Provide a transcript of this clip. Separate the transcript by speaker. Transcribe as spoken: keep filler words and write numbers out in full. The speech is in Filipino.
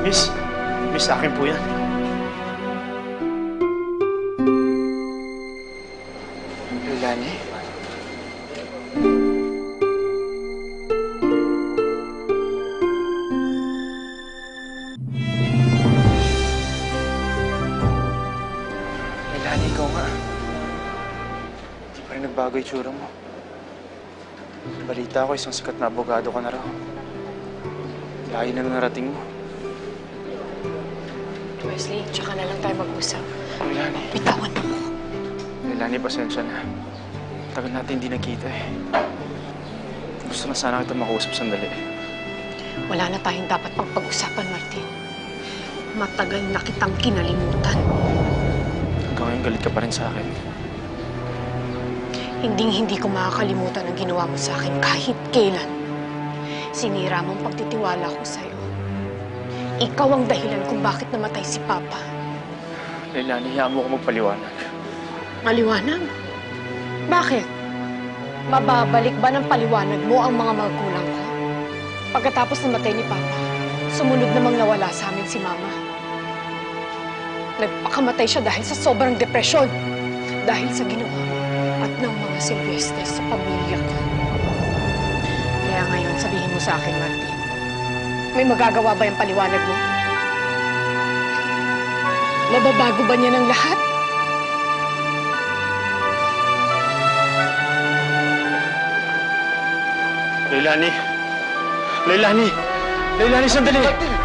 Speaker 1: Miss, miss, sa akin po yan.
Speaker 2: Leilani? Leilani, ikaw nga. Hindi pa rin nagbago yung tsura mo. Balita ko, isang sikat na abogado ka na raw. Layo na narating mo.
Speaker 3: Wesley, tsaka na lang tayo mag-usap.
Speaker 2: Leilani.
Speaker 3: Bitawan mo.
Speaker 2: Leilani, pasensya na. Tagal natin hindi nakita eh. Gusto na sana kita makausap sandali.
Speaker 3: Wala na tayong dapat pang pag-usapan, Martin. Matagal na kitang kinalimutan.
Speaker 2: Hanggang ngayon galit ka pa rin sa akin.
Speaker 3: Hinding-hindi ko makakalimutan ang ginawa mo sa akin kahit kailan. Sinira mo ang pagtitiwala ko sa'yo. Ikaw ang dahilan kung bakit namatay si Papa.
Speaker 2: Leilani, hiyaan mo ko magpaliwanag.
Speaker 3: Maliwanag? Bakit? Mababalik ba ng paliwanag mo ang mga magulang ko? Pagkatapos namatay ni Papa, sumunod namang nawala sa amin si Mama. Nagpakamatay siya dahil sa sobrang depresyon. Dahil sa ginawa mo at ng mga Silvestre sa pamilya ko. Kaya ngayon, sabihin mo sa akin, Martin, may magagawa ba yung paliwanag mo? Mababago ba niya ng lahat?
Speaker 1: Leilani! Leilani! Leilani, sandali!